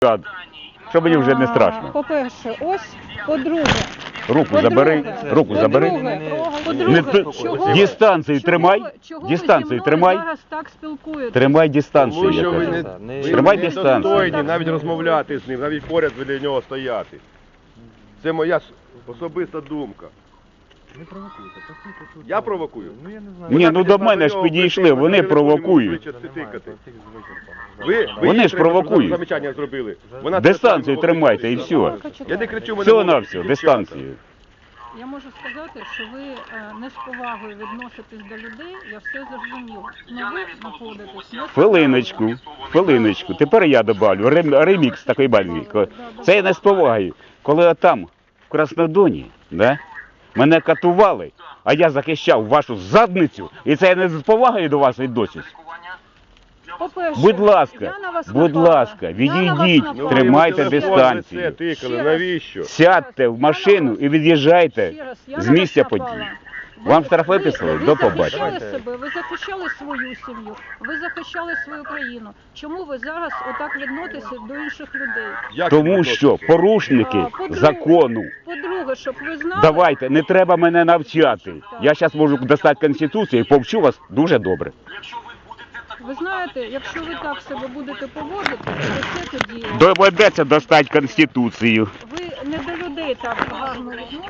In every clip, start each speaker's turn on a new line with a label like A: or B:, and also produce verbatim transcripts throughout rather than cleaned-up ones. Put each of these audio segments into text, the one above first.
A: Що мені вже не страшно.
B: По-перше, ось, по-друге.
A: Руку забери, руку забери. Не, дистанцію тримай, дистанцію тримай.
B: Зараз так спілкуєтесь.
A: Тримай дистанцію,
C: Тому
A: я
C: що ви
A: кажу.
C: не, ви
A: Тримай
C: не
A: дистанцію.
C: достойні навіть розмовляти з ним, навіть поряд біля нього стояти. Це моя с- особиста думка.
D: Не провокуйте, послухайте тут.
C: Я провокую?
D: Ну я не знаю.
A: Ні, ну до мене ж підійшли, вони провокують.
C: Ви, ви
A: Вони
C: їй
A: ж
C: треба,
A: провокують.
C: щоб замечання зробили. Вона
A: Дистанцію
C: це-
A: тримайте і все.
C: Я не кричу, мене
A: Всього на
C: можуть
A: все,
C: дівчата.
A: дистанцію.
B: Я можу сказати, що ви е, не з повагою відноситесь до людей, я все зрозуміла. Ну ви знаходитесь. не з
A: Хвилиночку, хвилиночку. Тепер я добавлю рем- ремікс такої бальні. Це я не з повагою. Коли там, в Краснодоні, да, мене катували, а я захищав вашу задницю, і це я не з повагою до вас відносюсь.
B: По-перше,
A: Будь ласка,
B: я на вас
A: будь
B: напала.
A: ласка,
B: Я
A: відійдіть.
B: на вас напала.
C: Ну,
A: Тримайте
C: ви в телефон
A: дистанцію.
C: лице тикали,
B: Ще раз.
C: навіщо?
A: Сядьте в машину і від'їжджайте
B: Ще раз, я
A: з
B: на вас
A: місця
B: напала.
A: події.
B: Ви-
A: Вам штраф
B: ви-
A: виписали?
B: Ви
A: До побачення.
B: захищали себе, ви захищали свою сім'ю, ви захищали свою країну. Чому ви зараз отак відноситеся до інших людей?
C: Як
A: Тому
C: ви
A: що порушники
B: А, по-друге-
A: закону.
B: По-друге, щоб ви знали...
A: Давайте, не треба мене навчати. Я зараз можу достати Конституцію і повчу вас дуже добре.
B: Ви знаєте, якщо ви так себе будете поводити, то це тоді...
A: Доведеться достати Конституцію.
B: Ви не до людей так гарно відноситеся.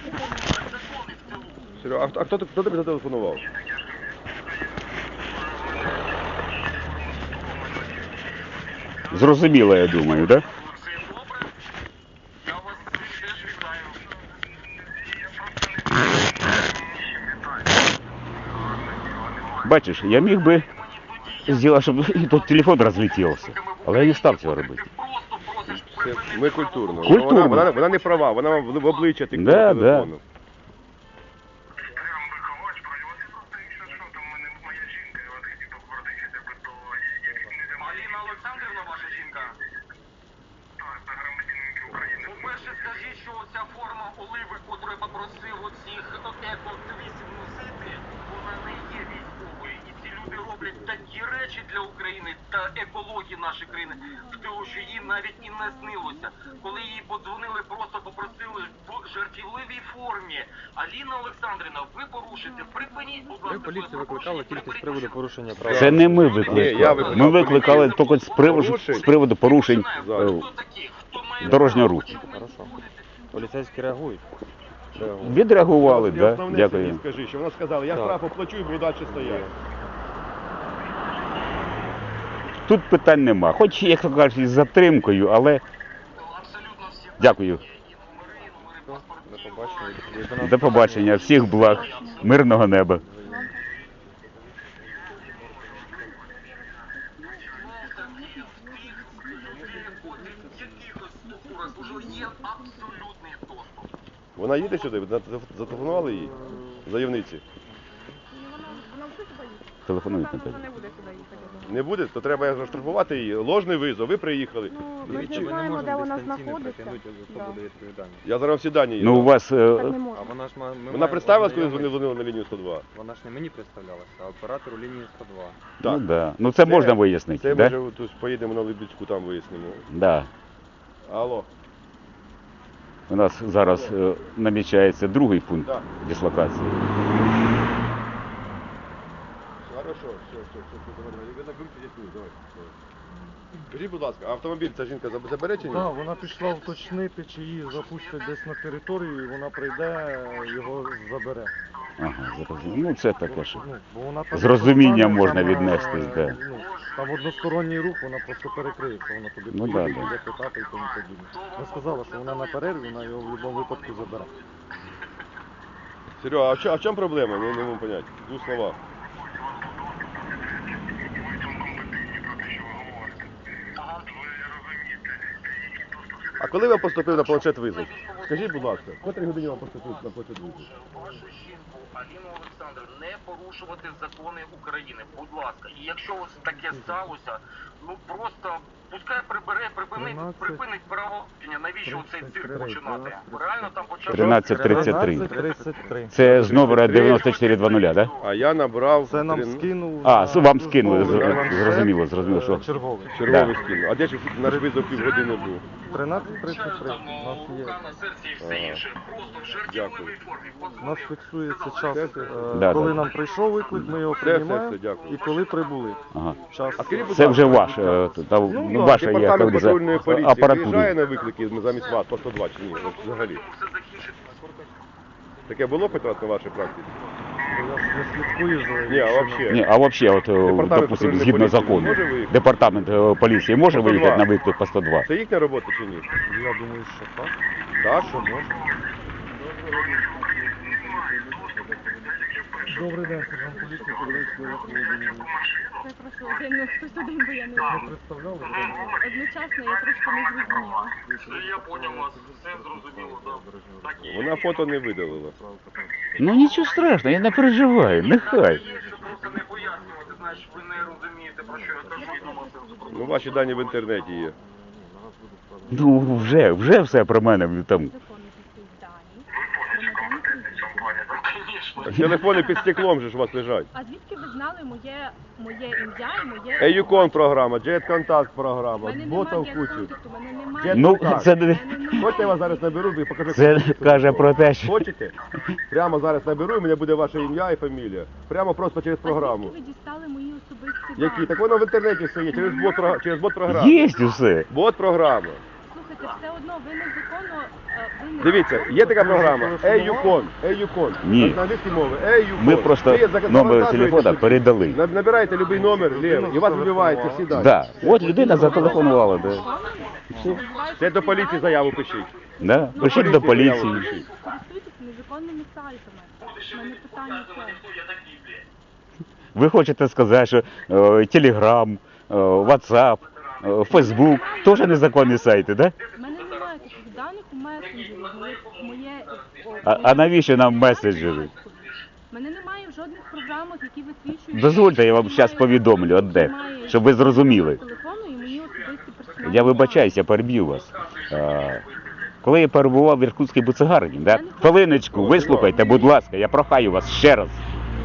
C: Серега, а хто, а хто, хто тобі зателефонував?
A: Зрозуміло, я думаю, так? Да? Бачиш, я міг би зробити, щоб і тут телефон розлетівся, але я не став цього робити.
C: Це ми культурно.
A: Культурно.
C: Вона, вона, вона не права, вона вам в в обличчя тикнула
A: Да,
C: телефону.
E: Аліна Олександрівна, ваша жінка? Так, на громадянинки України. По-перше, скажіть, що ця форма оливи, яку я попросив оцих еко-активістів носити, вона не є військовою. І ці люди роблять такі речі для України та екології нашої країни, що їй навіть і не снилося. Коли їй подзвонили, просто попросили в жартівливій формі. Аліна Олександрівна, ви порушите, припиніть, будь ласка,
D: Ви поліцію викликали тільки з приводу порушення прав.
A: Це не ми
C: Ні, я
A: викликали.
C: викликав
A: Ми викликали тільки з приводу, з приводу порушень е, дорожнього руху.
D: Хорошо. Поліцейські реагують. Реагують.
A: Відреагували,
C: Ти
A: так?
C: основне
A: Дякую.
C: собі скажи, що вона сказала, я
D: Так.
C: штраф оплачу і буду далі стояти.
A: Тут питань нема. Хоч, як то кажуть, із затримкою, але дякую.
D: До побачення.
A: До побачення. Всіх благ. Мирного неба.
C: Вона їде сюди, ви зателефонували їй? Заявниці.
A: Телефонують на тебе.
C: Не буде, то треба заштрафувати її. Ложний визов, ви приїхали.
F: Ми
D: Дивіться,
F: не
D: ви не
F: знаємо, де
D: можете
F: вона
D: дистанційно
F: знаходиться.
D: притягнути, хто
F: Да.
D: буде відповідальний.
C: Я зараз всі дані їй
A: Ну, у
C: дам.
A: вас... е,
F: Так не
D: А
F: можна.
D: вона ж ма- ми
C: Вона
D: маємо
C: представилась, коли
D: ознайомитися.
C: дзвонили на лінію сто два?
D: Вона ж не мені представлялася, а оператору лінії сто два.
A: Ну, да. Ну, це можна вияснити,
C: Це
A: да?
C: може тут поїдемо на Либідську, там вияснимо.
A: Да.
C: Алло.
A: У нас зараз е, намічається другий пункт
C: Да.
A: дислокації.
C: Хорошо, все, все, все, все, давай, давай. Ви на групі дітей, давай. давай. Скажіть, будь ласка, автомобіль ця жінка заб- забере чи ні?
G: Так, вона пішла уточнити, чи її запустять десь на територію, і вона прийде, його забере.
A: Ага, зрозуміло. Ну, це таке, що...
G: Ну, бо вона так
A: З розумінням
G: стане,
A: можна
G: там,
A: віднестись,
G: е,
A: да.
G: Ну, там односторонній рух, вона просто перекриється, вона туди
A: Ну,
G: поїде,
A: да, да.
G: буде питати і тому подібне. Вона сказала, що вона на перерві, вона його в будь-якому випадку забере.
C: Серега, а в чому, а в чому проблема? Не, не можу поняти. В двох словах. А коли вам поступив на планшет визов? Скажіть, будь ласка, в котрій годині вам поступив на планшет визов?
E: Аліна Олександрівна, не порушувати закони України, будь ласка. І якщо ось таке сталося, ну просто пускай прибере, припинить,
G: тринадцять,
E: припинить правопорушення. Навіщо цей цирк починати? Реально там почати...
A: тринадцять тридцять три.
G: тридцять три.
A: Це з номера дев'яносто чотири двадцять, так?
C: А я набрав
G: Це нам
C: трин-
G: скинув.
A: А,
G: на
A: с- вам скинули,
G: службовий
A: зр-
G: планшет,
A: зрозуміло, зрозуміло, що.
G: е, Черговий.
C: черговий
A: Да.
C: скинув. А де ж наш визов півгодини був?
G: тринадцять тридцять три. У нас є.
E: Рука на серці і все інше. Просто в жартівливій формі.
G: У нас фіксується час, е,
A: Да,
G: коли
A: да.
G: нам прийшов виклик, ми його
C: Все, все,
G: приймаємо,
C: все, дякую.
G: і коли прибули.
A: Ага.
G: Час.
C: А скажіть, будь
A: Це
C: ласка,
A: вже ваш, е, та, ну,
C: да,
A: ваша є
C: департамент
A: як
C: патрульної
A: за
C: поліції виїжджає
A: апаратура.
C: на виклики замість вас по сто два чи ні? От взагалі.
E: Все закінчиться.
C: Таке було хоч раз на вашій практиці?
G: Я не слідкую за
C: Ні, а
G: чином.
C: взагалі?
A: Ні, а взагалі, от, е,
C: Департамент
A: допустим,
C: патрульної
A: згідно
C: поліції
A: закону,
C: може виїхати?
A: департамент е, поліції може
C: по сто два?
A: виїхати на виклик по сто два?
C: Це їхня робота чи ні?
G: Я думаю, що так.
C: Так?
G: Що може. Добрий день, сержант поліції, Подільський Олег Володимирович.
B: Це прошу один, хтось один, бо я не
G: Не представляли?
B: одночасно, я трошки не зрозуміла.
E: Я поняв вас, все зрозуміло, так. Так і є.
C: Вона фото не видалила.
A: Ну нічого страшного, я не переживаю, нехай.
E: Щоб просто не пояснювати, значить ви не розумієте, про що я кажу, і нема сенсу про
C: Ну, ваші дані в інтернеті є.
A: Ну вже, вже все про мене там.
B: Закони пишуть дані, громадяни України.
E: Звісно.
C: Так телефони під стеклом же ж у вас лежать.
B: А звідки ви знали моє, моє ім'я і моє...
C: Еюкон програма, Jet Contact
B: У
C: програма,
B: мене
C: бота в
B: немає
C: кучу.
B: контакту, у мене немає...
C: Jet
A: Ну,
C: Contact.
A: це, не-
B: У мене немає-
C: Хочете, я вас зараз наберу і покажу.
A: це
C: як
A: каже про те, що
C: Хочете? Прямо зараз наберу, і у мене буде ваше ім'я і фамілія. Прямо просто через
B: А
C: програму.
B: звідки ви дістали мої особисті
C: Які?
B: дані?
C: Так воно в інтернеті все є, через бот, прог- через бот програму.
A: є усе.
C: Бот програма.
B: Слухайте, все одно ви незаконно... е, ви не-
C: Дивіться, є така програма Еюкон, Еюкон.
A: Ні.
C: На англійській мові Еюкон.
A: Ми просто
C: Ви зак-
A: номер
C: завантажуєте
A: телефона
C: сюди,
A: передали.
C: наб- Набираєте будь-який номер, лівий, і у вас вибивається всі дані.
A: Да. От людина зателефонувала, да.
C: Це до поліції заяву пишіть.
A: Да. Пишіть до поліції.
B: Користуйтесь незаконними сайтами. У мене питання це.
A: Ви хочете сказати, що е, Телеграм, е, Ватсап, е, Фейсбук теж незаконні сайти, да?
B: У мене немає таких даних у месенджері. Моє, моє, о,
A: А, а навіщо нам меседжери?
B: У мене немає в жодних програмах, які висвічують...
A: Дозвольте, я вам зараз повідомлю одне, щоб ви зрозуміли.
B: Телефону і мої особисті персональні
A: Я
B: дані.
A: вибачаюся, переб'ю вас. А, коли я перебував в Іркутській буцегарині, да? Хвилиночку, вислухайте, будь ласка, я прохаю вас ще раз.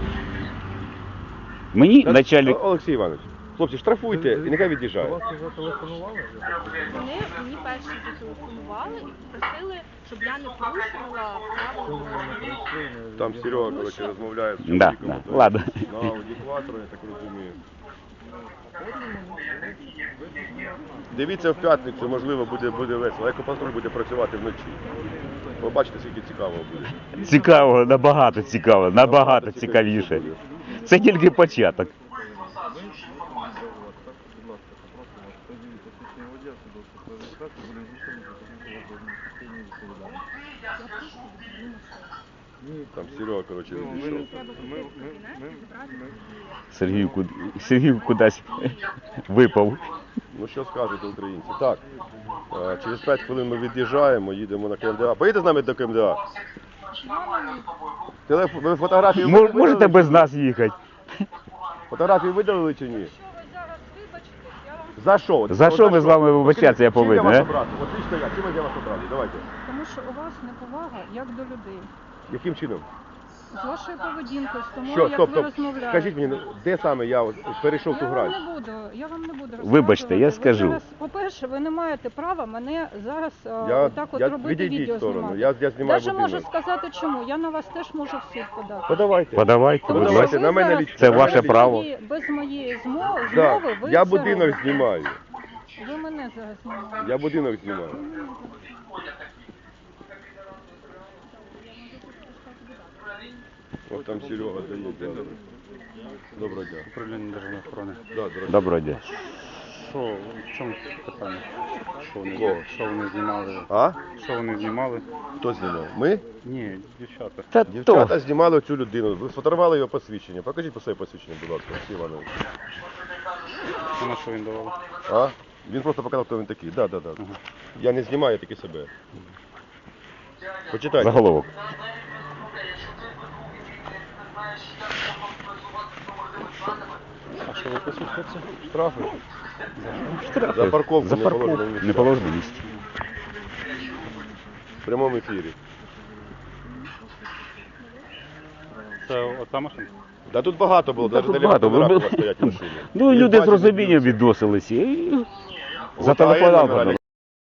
A: Мені начальник...
C: О- Олексій Іванович, хлопці, штрафуйте і нехай
G: До
C: від'їжджає.
G: вас вже телефонували?
B: Вони мені перші зателефонували і попросили, щоб я не порушувала правила дорожнього руху.
C: Там Серега, коротше, розмовляє з
A: Да,
C: чоловіком.
A: да, ладно.
C: На аудіокватору, я так розумію. Дивіться в п'ятницю, можливо, буде, буде весело. Екопатруль буде працювати вночі. Побачите, скільки цікаво буде.
A: Цікаво, набагато цікаво, набагато цікавіше. Це тільки початок.
C: Там Серега, коротше, відійшов.
A: Сергій, куд... Сергій кудись випав.
C: Ну що скажете українці? Так, е, через п'ять хвилин ми від'їжджаємо, їдемо на КМДА. Поїдете з нами до КМДА? Телефон, ви фотографії
A: Мо-
C: видалили?
A: Можете без нас їхати.
C: Фотографії видалили чи ні?
B: Якщо ви зараз вибачитесь, я вам...
C: За що? От-
A: За
C: от
A: що ми з вами вибачатися, я
C: Чим
A: повинен,
C: вас
A: е?
C: обрати? От лично я, чим я вас обрати? Давайте.
B: Тому що у вас неповага як до людей.
C: Яким чином?
B: З вашою поведінкою, з тому,
C: Що,
B: як
C: стоп,
B: ви
C: стоп.
B: розмовляєте.
C: Скажіть мені, ну, де саме я от перейшов ту
B: Я вам
C: грань?
B: не буду, я вам не буду розказувати.
A: Вибачте, я
B: Ви
A: скажу.
B: зараз, по-перше, ви не маєте права мене зараз е,
C: Я,
B: отак от
C: я
B: робити
C: відійдіть
B: відео
C: в сторону,
B: знімати.
C: я, я знімаю
B: Даже можу
C: будинок.
B: сказати чому. Я на вас теж можу в суд подати.
C: Подавайте.
A: Подавайте,
B: Тому
A: будь
B: що
C: Подавайте,
A: ласка.
C: на
B: ви
C: мене
B: зараз
C: лічно.
A: Це
C: на
A: ваше
C: мене лічно.
A: право.
B: Без, без моєї змо-
C: Да.
B: змови ви
C: Я
B: це
C: будинок
B: робите.
C: знімаю.
B: Ви мене зараз знімаєте.
C: Я будинок знімаю. От там Серега дає. Доброго дня.
D: Управління державної охорони.
C: Да, дорогой.
A: Доброго дня.
D: Що, в чому питання? Що вони,
C: Кого?
D: що вони знімали?
C: А?
D: Що вони знімали?
C: Хто знімав? Ми?
D: Ні, дівчата.
A: Та
C: Дівчата
A: то.
C: знімали цю людину. Ви сфотографували його посвідчення. Покажіть по своє посвідчення, будь ласка, Олексій Іванович.
D: А на що він давав?
C: А? Він просто показав, хто він такий. Да, да, да. Я не знімаю, я такий себе. Почитайте.
A: Заголовок.
D: Що виписують хлопці?
C: Штрафи.
A: Штрафи.
C: За парковку
A: За
C: не
A: парковку
C: положено місце.
A: не положено місце.
C: В прямому ефірі.
D: Це ота машина?
C: Да тут багато було,
A: Та
C: навіть
A: тут
C: на
A: багато.
C: лівих
A: Ви-
C: номерах у вас стоять машини.
A: Ну,
C: І
A: люди з
C: бачите,
A: розумінням
C: дивіться.
A: відносилися і
C: От, а я
A: зателефонував.
C: номера